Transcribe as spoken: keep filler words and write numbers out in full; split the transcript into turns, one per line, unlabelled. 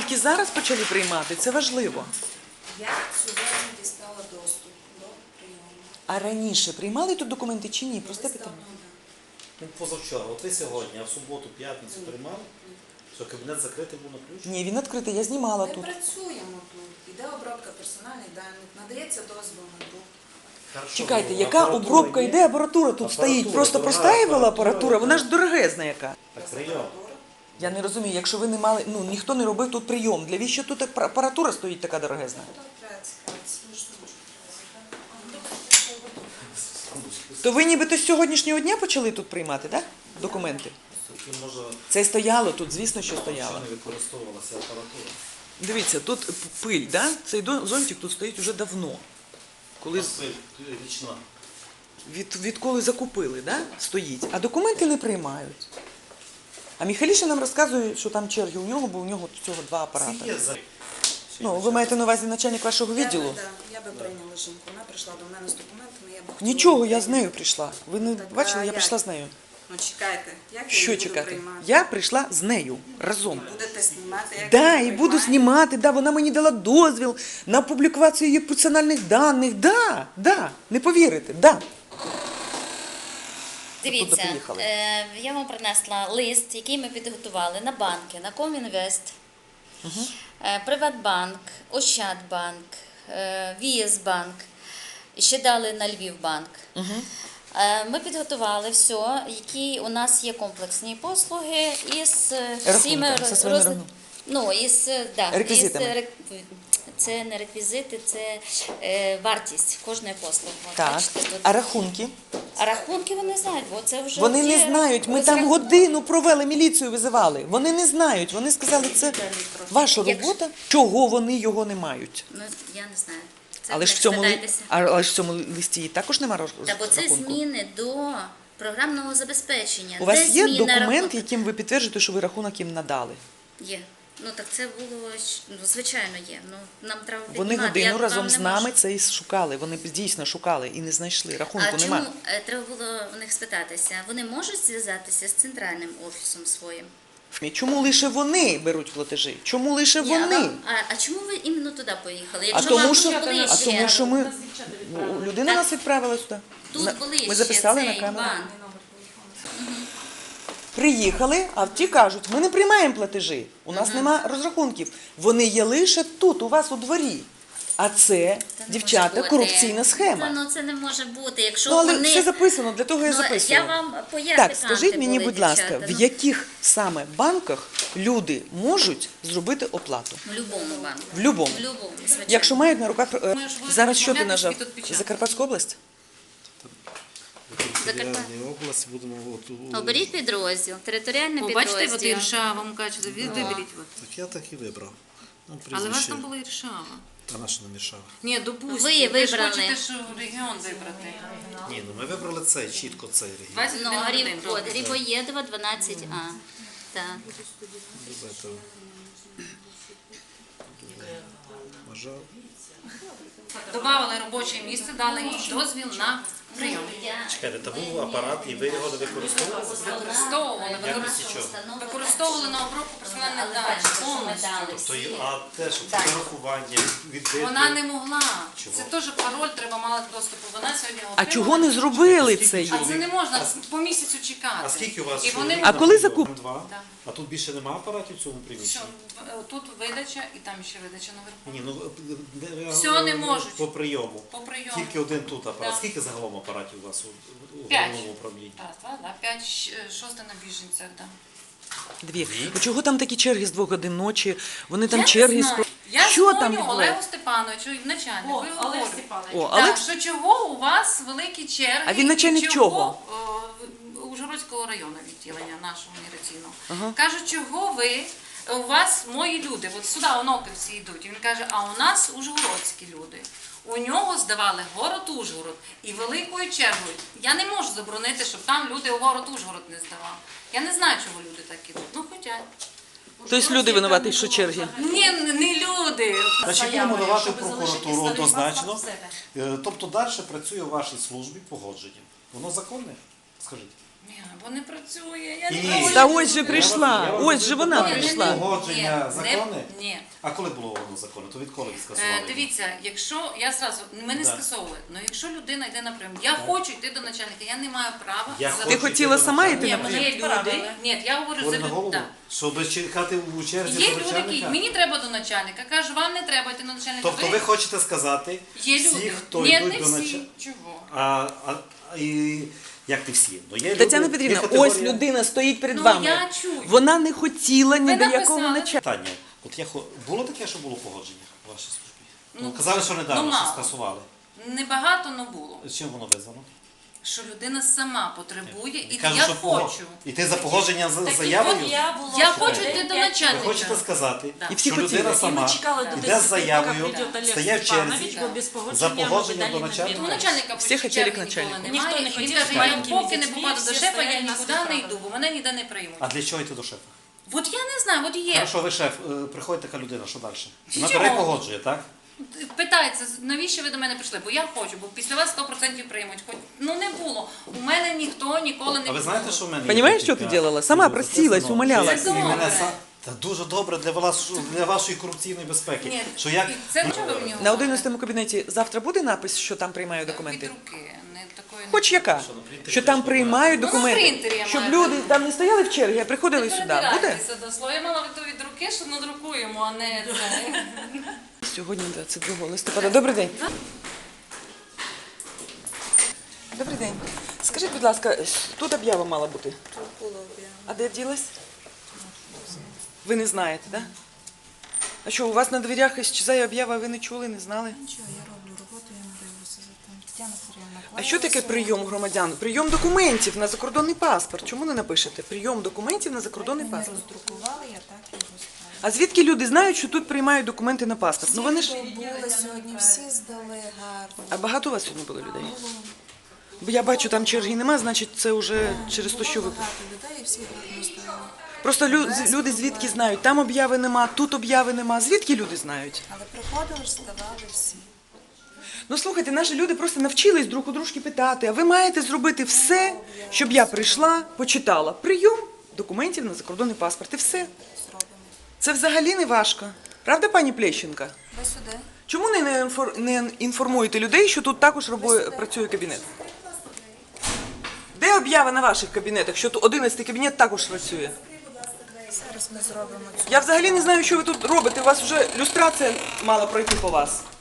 тільки зараз почали приймати, це важливо.
Я сьогодні дістала доступ до прийому.
А раніше приймали тут документи чи ні? Просте питання.
Ну, позавчора, от ви сьогодні, а в суботу, п'ятницю приймали? Що кабінет закритий був на ключ?
Ні, він відкритий, я знімала
Ми
тут.
працюємо тут. Іде обробка персональних даних, надається дозвіл на друк.
Хорошо,
Чекайте,
ну,
яка
апаратура
обробка
є?
йде, апаратура тут
Апаратура,
стоїть. Просто
дорога
поставила
апаратура,
апаратура, вона ж дорогезна яка.
Так, прийом.
Я не розумію, якщо ви не мали, ну ніхто не робив тут прийом. Для віщо тут апаратура стоїть така дорогезна? То ви нібито з сьогоднішнього дня почали тут приймати, так? Документи?
Такі, може,
Це стояло тут, звісно, що стояло.
ще не використовувалася апаратура.
Дивіться, тут пиль, да? Цей до- зонтик тут стоїть уже давно. Коли, з-
Пиль, річна.
від, відколи закупили, да? Стоїть. А документи не приймають. А Міхаліша нам розказує, що там черги у нього, бо у нього цього два апарати.
Скільки є за...
Ну, ви маєте на увазі начальник вашого
Я
відділу?
би, да, я би прийняла жінку. Вона прийшла до мене з документами, я б хотіла
Нічого,
її
я з нею
прийняти.
прийшла. Ви не
Так,
бачили,
а
я
як?
прийшла з нею.
Ну чекайте, як я
Що
її буду
чекати?
приймати?
Я прийшла з нею разом.
Будете знімати, як
Да,
я її
і буду
приймаю?
знімати, да, вона мені дала дозвіл на публікацію її персональних даних. Да, да, не повірите, да.
Дивіться,
приїхали?
е, я вам принесла лист, який ми підготували на банки, на Комінвест, е, Приватбанк, Ощадбанк, е, Вієсбанк, і ще дали на Львівбанк. Е, Ми підготували все, які у нас є комплексні послуги із е, всіми
Рахунками, зі своїми
роз-
рахунками.
Ну, із, е, да,
Реквізитами.
із, рек- це не реквізити, це е, вартість кожної послуги. От,
Так.
бачите, тут.
А рахунки?
А рахунки вони знають, бо це вже
Вони не
є
знають. Ми там
розрахунки.
годину провели, міліцію визивали. Вони не знають. Вони сказали, це ваша
Якщо-
робота. Чого вони його не мають?
Ну, я не знаю. Це
Але ж в
не
цьому ли-
спитайтеся.
а- але ж в цьому листі також немає
Та бо це
рахунку.
зміни до програмного забезпечення.
У
Де
вас є
зміна
документ,
рахунку?
яким ви підтверджуєте, що ви рахунок їм надали?
Є. Ну так це було, щ- ну, звичайно, є. Ну, нам треба
Вони
піднімати.
годину
Я вам
разом
не
з
можу.
нами це і шукали. Вони дійсно шукали і не знайшли. Рахунку
А чому
немає.
е, треба було в них спитатися? Вони можуть зв'язатися з центральним офісом своїм?
Чому лише вони беруть платежі? Чому лише
Ні, а
вони?
вам- А, а чому ви іменно туди поїхали?
А
Якщо
тому,
вам
що,
тут ближче,
а тому, що ми людина
Так.
нас відправила сюди.
тут
На-
ближче
Ми записали на
цей
камеру.
банк.
Приїхали, а ті кажуть, ми не приймаємо платежі, у нас нема розрахунків. Вони є лише тут, у вас у дворі. А це,
Це не
дівчата,
може бути.
корупційна схема.
Та, ну це не може бути. Якщо
Ну, але
вони...
все записано, для того я
Ну,
записую.
я вам поясню,
Так, скажіть мені,
були
будь ласка,
дівчата,
в
ну.
яких саме банках люди можуть зробити оплату?
В будь-якому банку.
В будь-якому.
В будь-якому, звичайно.
Якщо мають на руках... е,
Ми ж ви-
Зараз що ти
пом'ятись
нажав?
і тут печатати.
Закарпатська область?
Закарпаття.
області будемо... От, у-
Оберіть підрозділ, територіальний
О, бачите, от
підрозділ.
Іршава, вам кажуть, ви виберіть. От.
Так я так і вибрав. Ну,
Але у вас
прізвище.
там була Іршава.
Та наша не мішала.
Ні, допустимо.
Ви
ж
вибрали.
хочете, що регіон вибрати.
Ні, ну ми вибрали цей, чітко цей регіон.
двадцять
Ну,
один
Гриб,
годин
от,
робить.
Грибоєдова, дванадцять А. Так.
Це Бажав.
Добавили робоче місце, дали їй дозвіл на прийом.
Чекайте, та був апарат, і ви його не використовували?
Використовували,
Якості чого?
використовували на обробку персональних даних повністю.
То є, а те, що фотографування, відбити...
Вона не могла.
Чого?
Це теж пароль треба мати доступу. Вона сьогодні
А
отримала.
чого не зробили це?
А це не можна по місяцю чекати.
А скільки у вас?
І вони...
А коли закуп?
Два.
Да.
А тут більше немає апаратів в цьому
Що,
приміщенні?
тут видача і там ще видача наверху.
Ні, ну не-
Всього не можуть.
По прийому.
По прийому.
Тільки один тут апарат.
Да.
Скільки загалом апаратів у вас у, у
П'ять.
головному управлінні?
Раз, два, да, п'ять, щ- шосте на біженцях, да.
Дві. А чого там такі черги з двох годин ночі? Вони там
Я не
черги
знаю.
з...
Я
Що там
дзвоню
відбувається?
Олегу Степановичу, начальнику,
О,
і
Олег
говорю.
Степанович.
О,
Так,
Олег...
що чого у вас великі черги?
А він начальник
і
чого?
О, Ужгородського району відділення нашого міграційного.
Ага.
Кажуть, чого ви, у вас мої люди, от сюди оноківці йдуть. І він каже, а у нас ужгородські люди. У нього здавали город Ужгород і великою чергою. Я не можу заборонити, щоб там люди у город Ужгород не здавали. Я не знаю, чого люди так ідуть. Ну, хоча.
Тобто люди винуваті, що черги?
Ні, не люди.
Значить, будемо давати в
щоб
прокуратуру
залишити
однозначно.
себе.
Е, Тобто далі працює в вашій службі погодження. Воно законне? Скажіть.
Ні, бо не працює. Я не
І-
можу.
Та ось же
Я
прийшла,
вас- я вас
ось же вона
запитую,
прийшла.
Погодження,
Ні,
закони?
не- Ні.
А коли було воно закони? То відколи ви
Е,
скасували?
Дивіться, якщо я зразу ми не
Да.
скасовували, але якщо людина йде на прийом, я хочу йти до начальника, я не маю права
Я
за-
хочу
Ти хотіла
йти до
сама
начальника.
йти
Ні,
на
в мене
прийом?
є люди. Ні, я говорю
Говорю
за
на голову,
людей.
щоб чекати у черзі
Є
до
люди, які
начальника?
мені треба до начальника, кажу, вам не треба йти до начальника.
Тобто ви хочете сказати,
є
всі,
люди.
хто
Ні,
йдуть
не
до
всі.
начальника,
Чого?
а, а, а, і як не всі? Ну, є
Тетяна
люди,
Петрівна,
є категорія-
ось людина стоїть перед
Ну,
вами.
я чую.
Вона не хотіла ні
Ви
до якого
написали.
начальника.
Питання. От я хо- було таке, що було погодження в вашій службі? Ну,
Ну,
казали, що недавно,
ну,
що
мало.
скасували.
Небагато, але було.
З чим воно визвано?
Що людина сама потребує, і
Кажуть,
я
що пого-
хочу.
Іти за погодження з
Так і
заявою?
от я була
Я
вже
хочу
день
йти до
п'ять
начальника.
Ви хочете сказати,
Да.
І всі
що
хотіли.
людина
І
І
сама
ми чекали до
йде з
десяти,
заявою,
поки прийде Олег
стає в
Степанович,
черзі,
бо без погодження
за
ми
погодженням
далі
до
не
начальника.
У
двинулись.
начальника
Всі хотіли
почуття
к
ніколи
начальнику.
немає.
Ніхто не
І
хотів
він каже,
з
я
маленькими
поки не
дітьми,
попаду до
всі
шефа,
стоять
я
нас
нікуди не
виправдали.
йду, бо мене ніде не приймуть.
А для чого йти до шефа?
От я не знаю, от є.
Хорошо, ви шеф, е, приходить така людина, що далі? Вона
Чого?
бере і погоджує, так?
Питається, навіщо ви до мене прийшли? Бо я хочу, бо після вас сто відсотків приймуть. Хоч ну не було. У мене ніхто ніколи не
А ви знаєте, що в мене є
Понимаєш, що
декілька
ти робила? Сама
відео
просилась,
записано,
умолялась.
що як
Це
і мене
добре.
са- Та дуже добре для вас, для вашої корупційної безпеки.
Ні,
Що як
і це чого ви мені
На
говорите?
одинадцятому кабінеті завтра буде напис, що там приймають документи?
Від руки, не такої не
Хоч яка?
Що, на принтері
Що там
теж
приймають
Ну, на
документи.
принтері я
Щоб
маю.
люди там не стояли в черзі, а приходили
Не
сюди. Буде?
передирайтеся до слова. Я мала то від руки, що надрукуємо, а не це.
Сьогодні двадцять другого листопада. Добрий день. Добрий день. Скажіть, будь ласка, тут об'ява мала бути. А де ділась? Ви не знаєте, так? Да? А що, у вас на дверях іщезає об'ява, а ви не чули, не знали?
Нічого, я роблю роботу, я не дивлюся за тим. Тетяна Сергіївна,
А що таке прийом громадян? Прийом документів на закордонний паспорт. Чому не напишете? Прийом документів на закордонний
Мене
паспорт.
роздрукували, я так і розправила.
А звідки люди знають, що тут приймають документи на паспорт? Ну вони ж.
Були сьогодні, всі здали гарно.
А багато у вас сьогодні було людей? Бо я бачу, там черги нема, значить це вже через те, що ви.
Було багато людей, і всі гарно здали.
Просто лю- з- люди звідки знають, там об'яви нема, тут об'яви нема. Звідки люди знають?
Але приходили ж, здавали всі.
Ну слухайте, наші люди просто навчились друг у дружки питати, а ви маєте зробити все, щоб я прийшла, почитала. Прийом документів на закордонний паспорт і все.
Зробимо.
Це взагалі не важко. Правда, пані Плещенка?
Ви сюди.
Чому не не інфор- не інформуєте людей, що тут також робо- працює кабінет? Де об'ява на ваших кабінетах, що тут одинадцятий кабінет також працює?
Зараз ми зробимо цю.
Я взагалі не знаю, що ви тут робите. У вас вже люстрація мала пройти по вас.